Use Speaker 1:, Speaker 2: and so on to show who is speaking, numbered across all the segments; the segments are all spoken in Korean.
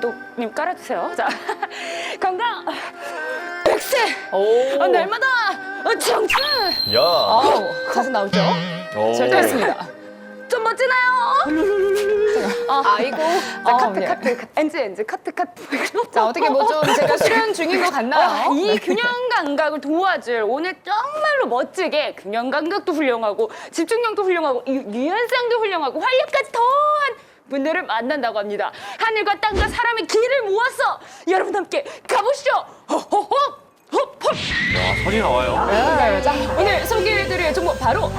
Speaker 1: 감독님 깔아주세요. 자, 건강 100세!
Speaker 2: 오.
Speaker 1: 날마다 청춘!
Speaker 3: 야.
Speaker 2: 가수 나오죠?
Speaker 3: 오.
Speaker 2: 잘 됐습니다.
Speaker 1: 좀 멋지나요?
Speaker 2: 아이고.
Speaker 1: 자, 카트,
Speaker 2: 예.
Speaker 1: 카트. NG, 카트.
Speaker 2: 자, 어떻게 뭐 좀 제가 수련 중인 것 같나요?
Speaker 1: 이 균형 감각을 도와줄 오늘 정말로 멋지게 균형 감각도 훌륭하고 집중력도 훌륭하고 유연성도 훌륭하고 활력까지 더한 분들을 만난다고 합니다. 하늘과 땅과 사람의 길을 모아서 여러분 함께 가보시죠. 호호호 호호.
Speaker 3: 야, 선이 나와요.
Speaker 2: 네, 자, 오늘 소개해드릴 종목 바로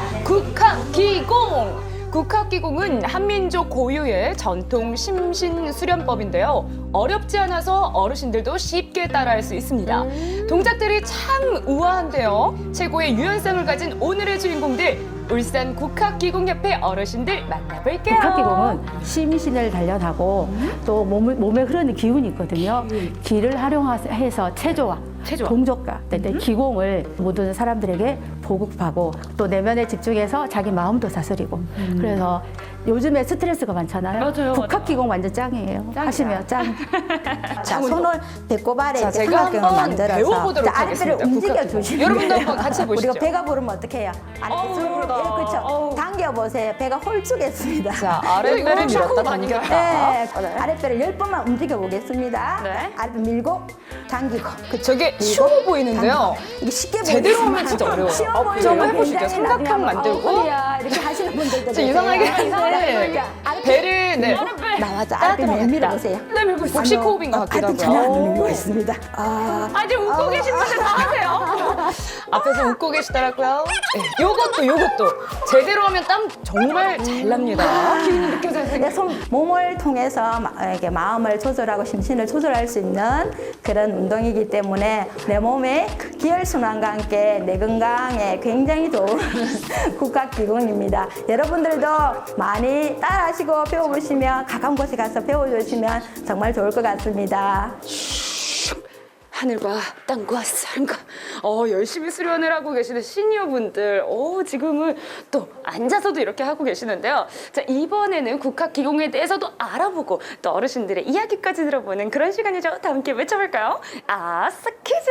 Speaker 2: 국학기공. 국학기공은 한민족 고유의 전통 심신 수련법인데요. 어렵지 않아서 어르신들도 쉽게 따라할 수 있습니다. 동작들이 참 우아한데요. 최고의 유연성을 가진 오늘의 주인공들, 울산 국학기공협회 어르신들 만나볼게요.
Speaker 4: 국학기공은 심신을 단련하고 또 몸에 흐르는 기운이 있거든요. 기를 활용해서 체조와 동작과 기공을 모든 사람들에게 보급하고 또 내면에 집중해서 자기 마음도 다스리고 그래서 요즘에 스트레스가 많잖아요.
Speaker 1: 맞아요,
Speaker 4: 국학기공 완전 짱이에요. 하시면 짱.
Speaker 5: 자, 손을 배꼽 아래
Speaker 2: 자,
Speaker 5: 이렇게
Speaker 2: 제가
Speaker 5: 삼각형을
Speaker 2: 한번
Speaker 5: 만들어서
Speaker 2: 배워보도록
Speaker 5: 자, 아랫배를
Speaker 2: 하겠습니다.
Speaker 5: 움직여
Speaker 2: 국학기공.
Speaker 5: 주시면
Speaker 2: 여러분도 한번 같이 보시죠.
Speaker 5: 우리가 배가 부르면 어떻게 해요? 아랫배 쭉 그렇죠. 당겨 보세요. 배가 홀쭉했습니다.
Speaker 2: 자, 아랫배를
Speaker 1: 이거
Speaker 2: 밀었다
Speaker 1: 당겨요.
Speaker 2: 당겼다.
Speaker 5: 네, 아랫배를 10번만 움직여 보겠습니다.
Speaker 1: 네.
Speaker 5: 아랫배 밀고 당기고. 그쵸.
Speaker 2: 저게
Speaker 5: 밀고,
Speaker 2: 쉬워 보이는데요.
Speaker 5: 당기고. 이게 쉽게
Speaker 2: 제대로
Speaker 5: 보이지만
Speaker 2: 하면 진짜 어려워요.
Speaker 5: 쉬워
Speaker 2: 좀
Speaker 5: 보이면
Speaker 2: 해보시죠.
Speaker 5: 굉장히
Speaker 2: 삼각형
Speaker 5: 나중에
Speaker 2: 만들고.
Speaker 5: 허리야 이렇게 하시는 분들도
Speaker 2: 진짜 이상하게
Speaker 5: 계세요.
Speaker 2: 하는데
Speaker 5: 자, 아랫배
Speaker 2: 배를 네.
Speaker 5: 나와서 아랫배 내밀어 보세요.
Speaker 1: 네, 밀고 있어요.
Speaker 2: 복식 호흡인 것 같기도
Speaker 5: 아랫배 전혀 안
Speaker 2: 하고요.
Speaker 5: 밀고 있습니다.
Speaker 1: 아직 웃고 계신 분들 다 하세요.
Speaker 2: 앞에서 웃고 계시더라고요. 네, 요것도 제대로 하면 땀 정말 잘 납니다.
Speaker 1: 기운이 느껴져요.
Speaker 5: 내 몸을 통해서 이렇게 마음을 조절하고 심신을 조절할 수 있는 그런 운동이기 때문에 내 몸의 기혈순환과 함께 내 건강에 굉장히 좋은 국학기공입니다. 여러분들도 많이 따라하시고 배워보시면 가까운 곳에 가서 배워주시면 정말 좋을 것 같습니다.
Speaker 1: 하늘과 땅과 사람과 열심히 수련을 하고 계시는 시니어분들 지금은 또 앉아서도 이렇게 하고 계시는데요. 자, 이번에는 국학기공에 대해서도 알아보고 또 어르신들의 이야기까지 들어보는 그런 시간이죠. 다 함께 외쳐볼까요? 아싸 퀴즈!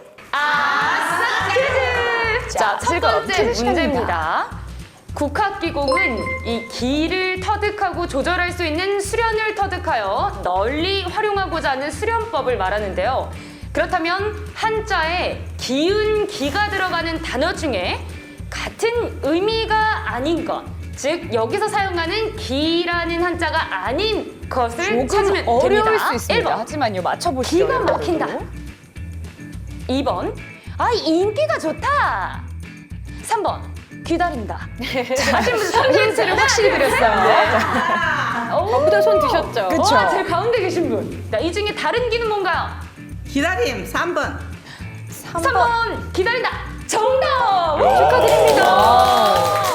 Speaker 1: 아싸 퀴즈! 자, 첫
Speaker 2: 즐거운
Speaker 1: 번째
Speaker 2: 퀴즈
Speaker 1: 문제입니다. 국학기공은 이 기를 터득하고 조절할 수 있는 수련을 터득하여 널리 활용하고자 하는 수련법을 말하는데요. 그렇다면 한자에 기운, 기가 들어가는 단어 중에 같은 의미가 아닌 것, 즉 여기서 사용하는 기라는 한자가 아닌 것을 찾으면
Speaker 2: 조금 어려울
Speaker 1: 됩니다.
Speaker 2: 수 있습니다.
Speaker 1: 1번,
Speaker 2: 하지만요, 맞춰보시죠.
Speaker 1: 기가 막힌다.
Speaker 2: 여러분들도.
Speaker 1: 2번, 인기가 좋다. 3번, 기다린다. 자, 하신 분들
Speaker 2: 힌트를 확실히 드렸어요.
Speaker 1: 저보다 손 드셨죠?
Speaker 2: 그쵸.
Speaker 1: 제일 가운데 계신 분. 자, 이 중에 다른 기는 뭔가요?
Speaker 6: 기다림 3번.
Speaker 1: 3번 기다린다. 정답! 축하드립니다.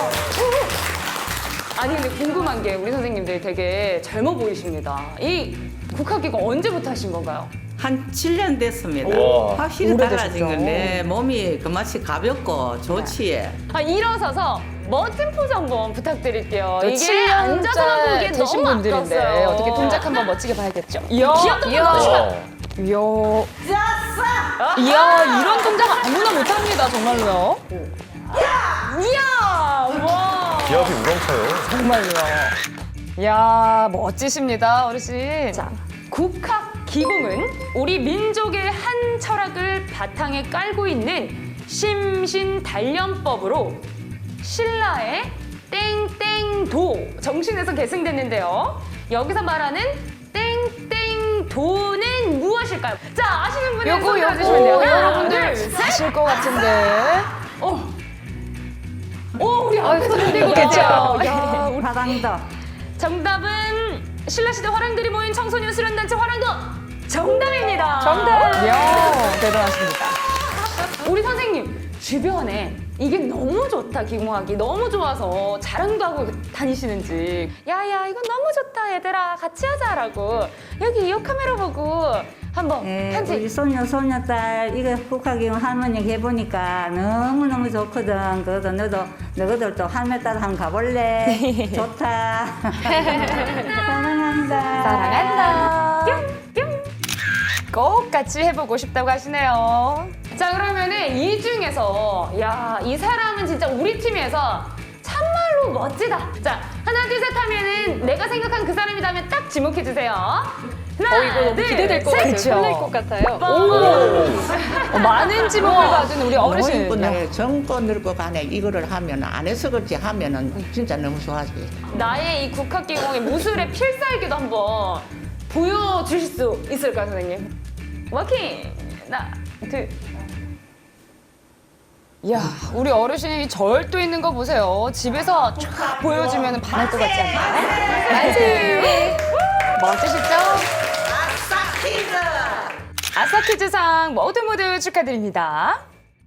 Speaker 1: 아니 근데 궁금한 게 우리 선생님들 되게 젊어 보이십니다. 이 국학기공 언제부터 하신 건가요?
Speaker 6: 한 7년 됐습니다.
Speaker 3: 우와.
Speaker 6: 확실히 달라진
Speaker 2: 오래되셨죠?
Speaker 6: 건데 몸이 그 맛이 가볍고 좋지.
Speaker 1: 일어서서 멋진 포즈 한번 부탁드릴게요.
Speaker 2: 또
Speaker 1: 이게 앉아서만
Speaker 2: 7년째
Speaker 1: 보기엔
Speaker 2: 되신
Speaker 1: 너무
Speaker 2: 분들인데
Speaker 1: 아까웠어요.
Speaker 2: 어떻게 동작 한번 멋지게 봐야겠죠.
Speaker 1: 귀엽다.
Speaker 2: 이야, 이야, 이런 동작 아무나 못합니다, 정말로요.
Speaker 1: 이야! 와!
Speaker 3: 기압이 우렁차요.
Speaker 2: 정말로요. 이야, 멋지십니다, 어르신.
Speaker 1: 자, 국학기공은 우리 민족의 한 철학을 바탕에 깔고 있는 심신단련법으로 신라의 땡땡도 정신에서 계승됐는데요. 여기서 말하는 땡땡도는 무엇일까요? 자, 아시는 분은 손 들어주시면 돼요. 하나,
Speaker 2: 여러분들
Speaker 1: 둘, 셋.
Speaker 2: 아실 것 같은데.
Speaker 1: 우리 앞에서 들리고
Speaker 2: 그쵸?
Speaker 1: 계세요. 야, 우리
Speaker 5: 화강도
Speaker 1: 정답은 신라시대 화랑들이 모인 청소년 수련단체 화랑도 정답입니다.
Speaker 2: 이야, 대단하십니다.
Speaker 1: 우리 선생님 주변에 이게 너무 좋다 기공하기 너무 좋아서 자랑도 하고 다니시는지 야야 이거 너무 좋다 얘들아 같이 하자라고 여기 이 카메라 보고 한번
Speaker 7: 우리
Speaker 1: 편지
Speaker 7: 소녀딸 이거 국학기공 할머니 해보니까 너무너무 좋거든. 그래서 너희들도 할매 따라 한번 가볼래? 좋다. 사랑한다.
Speaker 1: 사랑한다. 뿅 뿅.
Speaker 2: 꼭 같이 해보고 싶다고 하시네요.
Speaker 1: 자, 그러면은 이 중에서 야, 이 사람은 진짜 우리 팀에서 참말로 멋지다. 자, 하나, 둘, 셋 하면은 내가 생각한 그 사람이라면 딱 지목해 주세요. 하나,
Speaker 2: 이거 너무
Speaker 1: 둘,
Speaker 2: 기대될 것
Speaker 1: 셋.
Speaker 2: 같아요. 설렐 것 같아요. 많은 지목을 받은 우리 어르신.
Speaker 6: 노인분들 젊고 늙고 간에 이거를 하면 안 해서 그렇지 하면은 진짜 너무 좋아지.
Speaker 1: 나의 이 국학기공의 무술의 필살기도 한번 보여주실 수 있을까요, 선생님? 워킹! 하나, 둘.
Speaker 2: 이야, 우리 어르신이 절도 있는 거 보세요. 집에서 쫙 보여주면 반할 것 같지 않나요? 나이스! 멋지시죠? 아싸 퀴즈상 모두 축하드립니다.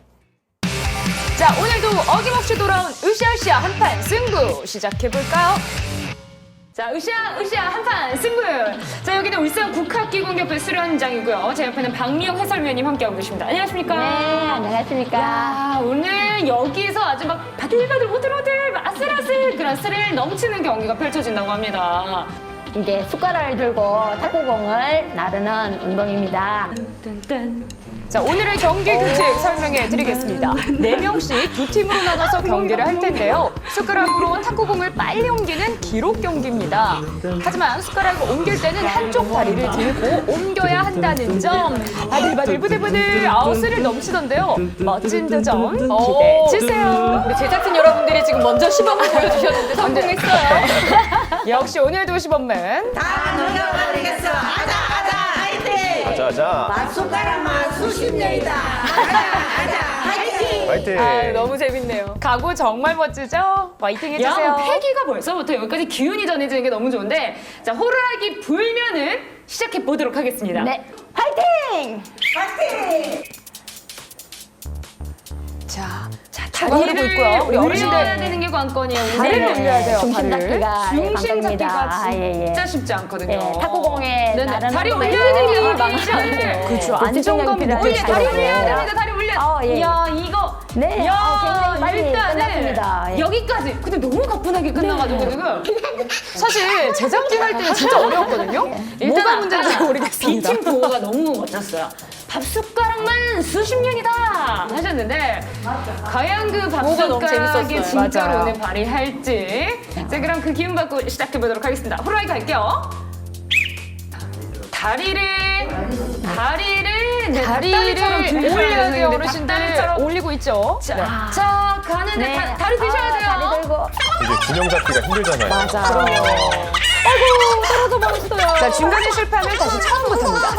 Speaker 2: 자, 오늘도 어김없이 돌아온 으쌰으쌰 한판 승부 시작해볼까요?
Speaker 1: 자, 으쌰 한판 승부! 자, 여기는 울산 국학기공협회 수련장이고요. 제 옆에는 박미영 해설위원님 함께하고 계십니다. 안녕하십니까?
Speaker 5: 네, 안녕하십니까.
Speaker 1: 야, 오늘 여기서 아주 막 바들바들 오들오들 아슬아슬 그런 스릴 넘치는 경기가 펼쳐진다고 합니다.
Speaker 5: 이제 숟가락을 들고 탁구공을 나르는 운동입니다.
Speaker 2: 자, 오늘의 경기 규칙 설명해 드리겠습니다. 4명씩 두 팀으로 나눠서 경기를 할 텐데요. 숟가락으로 탁구공을 빨리 옮기는 기록 경기입니다. 하지만 숟가락을 옮길 때는 한쪽 다리를 들고 옮겨야 한다는 점. 바들바들 부들부들 아웃스를 넘치던데요. 멋진 도전 기대해 주세요. 우리 제작진 여러분들이 지금 먼저 시범을 보여주셨는데 성공했어요. 역시 오늘도 시범맨.
Speaker 6: 다 녹여버리겠어. 아자 화이팅.
Speaker 3: 자자.
Speaker 6: 숟가락만 수십 년이다. 아자 화이팅.
Speaker 3: 화이팅.
Speaker 2: 아, 너무 재밌네요. 각오 정말 멋지죠? 화이팅 해주세요.
Speaker 1: 야, 패기가 벌써부터 여기까지 기운이 전해지는 게 너무 좋은데, 자, 호루라기 불면은 시작해 보도록 하겠습니다.
Speaker 5: 네, 화이팅!
Speaker 2: 자, 다리를 고 있고요. 우리
Speaker 1: 올려야
Speaker 2: 어르신들
Speaker 1: 되는 게 관건이에요. 우리
Speaker 2: 다리를
Speaker 1: 선생님.
Speaker 2: 올려야 돼요.
Speaker 5: 중심
Speaker 2: 다리를.
Speaker 5: 잡기가
Speaker 1: 중심 잡기가
Speaker 5: 관건입니다.
Speaker 1: 진짜 쉽지 않거든요.
Speaker 5: 예, 탁구공에
Speaker 1: 네네.
Speaker 5: 나르는
Speaker 1: 다리
Speaker 5: 거는
Speaker 1: 올려야 되는 게
Speaker 5: 망치 않으세요.
Speaker 2: 그렇죠.
Speaker 5: 그
Speaker 2: 안정감이
Speaker 5: 집중력이
Speaker 2: 느껴지죠.
Speaker 1: 다리
Speaker 5: 필요하죠.
Speaker 1: 올려야 됩니다. 다리 올려.
Speaker 5: 예.
Speaker 1: 야, 이거.
Speaker 5: 네,
Speaker 1: 야,
Speaker 5: 굉장히 빨리 끝났습니다. 예.
Speaker 1: 여기까지. 근데 너무 가뿐하게 끝나가지고 지금.
Speaker 2: 사실 제작진 할 때는 진짜 어려웠거든요. 뭐가 문제인지
Speaker 1: 아까
Speaker 2: 모르겠습니다.
Speaker 1: B팀 보호가 너무 멋졌어요. 밥 숟가락만 수십 년이다 하셨는데 과연 그 밥
Speaker 2: 뭐가 너무
Speaker 1: 숟가락이
Speaker 2: 재밌었어요.
Speaker 1: 진짜로
Speaker 2: 맞아요.
Speaker 1: 오늘 발휘할지. 자, 그럼 그 기운 받고 시작해 보도록 하겠습니다. 호루라기 갈게요. 다리를 닭다리처럼
Speaker 2: 올려야 돼요.
Speaker 1: 들으셔야
Speaker 2: 어르신들
Speaker 1: 닭다리처럼.
Speaker 2: 올리고 있죠.
Speaker 1: 자,
Speaker 2: 네.
Speaker 1: 자, 가는데
Speaker 5: 네.
Speaker 1: 다리 드셔야 돼요.
Speaker 5: 다리 들고.
Speaker 3: 이게 균형 잡기가 힘들잖아요.
Speaker 2: 맞아요. 아이고, 떨어져 버렸어요. 자, 중간에 실패하면 다시 처음부터입니다.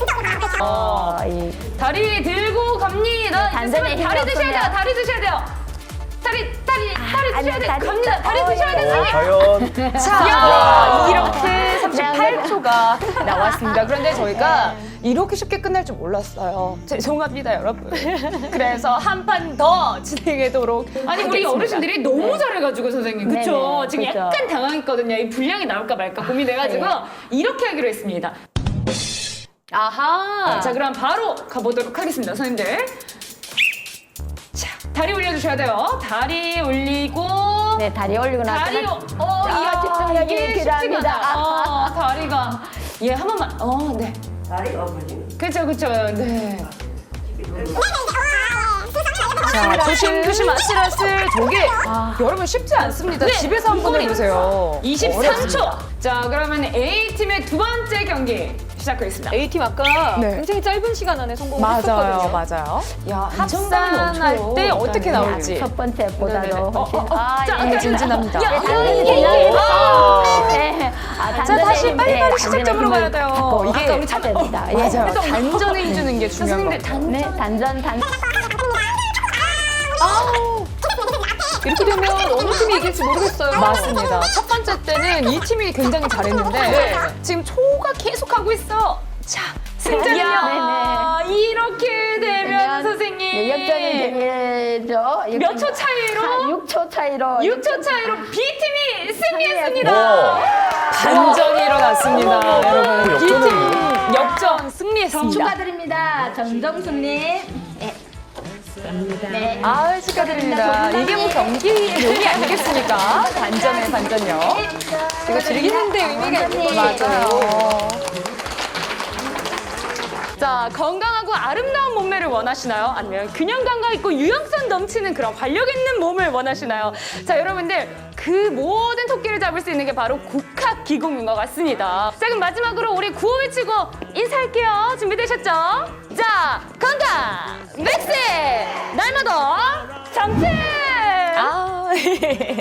Speaker 1: 다리 들고 갑니다.
Speaker 5: 단전에 힘이
Speaker 1: 다리 드셔야 돼요.
Speaker 5: 없으면.
Speaker 1: 다리 드셔야 돼요. 다리 드셔야
Speaker 5: 아니,
Speaker 1: 돼요.
Speaker 5: 다리
Speaker 1: 갑니다. 다리 드셔야 돼요.
Speaker 3: 과연
Speaker 2: 자, 이렇게 38초가 나왔습니다. 그런데 저희가 이렇게 쉽게 끝날 줄 몰랐어요. 죄송합니다, 여러분. 그래서 한 판 더 진행하도록
Speaker 1: 아니 우리
Speaker 2: 하겠습니다.
Speaker 1: 어르신들이 너무 잘해가지고 선생님 그쵸?
Speaker 5: 네네,
Speaker 1: 지금
Speaker 5: 그쵸.
Speaker 1: 약간 당황했거든요. 이 분량이 나올까 말까 고민해가지고 이렇게 하기로 했습니다.
Speaker 2: 아하.
Speaker 1: 자, 그럼 바로 가보도록 하겠습니다, 선생님들. 자, 다리 올려주셔야 돼요. 다리 올리고.
Speaker 5: 네, 다리 올리고 나서.
Speaker 1: 다리,
Speaker 5: 자, 집중력이
Speaker 1: 이게
Speaker 5: 필요합니다.
Speaker 1: 쉽지가 않아. 다리가. 예, 한 번만. 네.
Speaker 6: 다리가 없어지.
Speaker 1: 그쵸, 네.
Speaker 2: 자, 조심조심 아슬아슬 저게 여러분 쉽지 않습니다. 집에서 한번 해보세요.
Speaker 1: 23초. 자, 그러면 A팀의 두 번째 경기 시작하겠습니다.
Speaker 8: A팀 아까
Speaker 2: 네.
Speaker 8: 굉장히 짧은 시간 안에 성공을
Speaker 2: 맞아요,
Speaker 8: 했었거든요.
Speaker 2: 맞아요. 야,
Speaker 1: 안정감이
Speaker 2: 합산할
Speaker 1: 넘쳐요.
Speaker 2: 때 어떻게
Speaker 1: 일단은.
Speaker 2: 나올지.
Speaker 5: 첫
Speaker 1: 네네네.
Speaker 5: 번째보다도 훨씬.
Speaker 1: 자,
Speaker 2: 너무 진진합니다.
Speaker 1: 야,
Speaker 5: 당연히
Speaker 1: 예.
Speaker 5: 네.
Speaker 2: 자, 다시 빨리빨리 시작점으로 가야 돼요.
Speaker 5: 이게
Speaker 2: 이게
Speaker 5: 우리 됩니다. 예.
Speaker 2: 맞아요. 단전에 힘주는 게 중요한 거.
Speaker 1: 선생님들
Speaker 5: 네, 단전.
Speaker 8: 이렇게 되면 어느 팀이 이길지 모르겠어요.
Speaker 2: 맞습니다. 첫 번째 때는 이 팀이 굉장히 잘했는데 지금 초가 계속 가고 있어. 자, 승자는요.
Speaker 5: 네네.
Speaker 1: 이렇게 되면
Speaker 5: 네,
Speaker 1: 선생님
Speaker 5: 역전이 되죠.
Speaker 1: 몇 초 차이로?
Speaker 5: 6초 차이로.
Speaker 1: 6초 차이로 B팀이 승리했습니다.
Speaker 2: 반전이 일어났습니다, 여러분.
Speaker 3: 역전이에요?
Speaker 2: B팀 역전 승리했습니다.
Speaker 5: 축하드립니다. 정정수님. 네.
Speaker 2: 아, 축하드립니다. 이게 뭐 경기의 묘미 아니겠습니까? 반전의 반전요.
Speaker 8: 이거 즐기는데 의미가 있는 거죠.
Speaker 2: 맞아요.
Speaker 1: 자, 건강하고 아름다운 몸매를 원하시나요? 아니면 균형 감각 있고 유연성 넘치는 그런 활력 있는 몸을 원하시나요? 자, 여러분들 그 모든 토끼를 잡을 수 있는 게 바로 국학기공인 것 같습니다. 자, 그럼 마지막으로 우리 구호 외치고 인사할게요. 준비되셨죠? 자, 건강 맥스 날마다 정체.
Speaker 2: 아.